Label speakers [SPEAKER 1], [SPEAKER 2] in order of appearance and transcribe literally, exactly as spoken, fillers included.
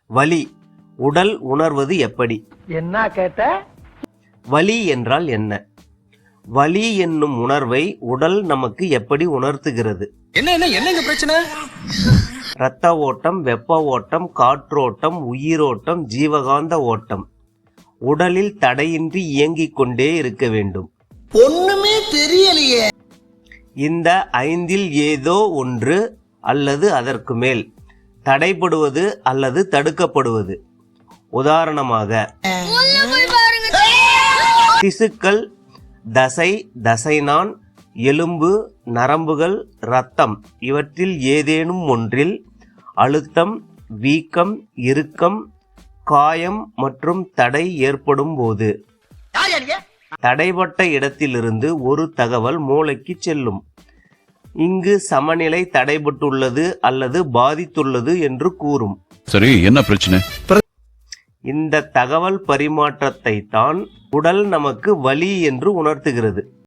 [SPEAKER 1] வலி உடல் உணர்வது எப்படி?
[SPEAKER 2] என்ன கேட்ட?
[SPEAKER 1] வலி என்றால் என்ன? வலி என்னும் உணர்வை உடல் நமக்கு எப்படி உணர்த்துகிறது?
[SPEAKER 3] என்ன என்ன என்னங்க பிரச்சனை?
[SPEAKER 1] இரத்த ஓட்டம், வெப்ப ஓட்டம், காற்றோட்டம், உயிரோட்டம், ஜீவகாந்த ஓட்டம் உடலில் தடையின்றி இயங்கிக் கொண்டே இருக்க வேண்டும்.
[SPEAKER 2] ஒண்ணுமே தெரியலையே.
[SPEAKER 1] இந்த ஐந்தில் ஏதோ ஒன்று அல்லது அதற்கு மேல் தடைபடுவது அல்லது தடுக்கப்படுவது. உதாரணமாக திசுக்கள், தசை, தசைநான், எலும்பு, நரம்புகள், இரத்தம் இவற்றில் ஏதேனும் ஒன்றில் அழுத்தம், வீக்கம், இறுக்கம், காயம் மற்றும் தடை ஏற்படும் போது தடைப்பட்ட இடத்திலிருந்து ஒரு தகவல் மூளைக்கு செல்லும். இங்கு சமநிலை தடைபட்டுள்ளது அல்லது பாதித்துள்ளது என்று கூறும்.
[SPEAKER 4] சரி, என்ன பிரச்சனை?
[SPEAKER 1] இந்த தகவல் பரிமாற்றத்தை தான் உடல் நமக்கு வலி என்று உணர்த்துகிறது.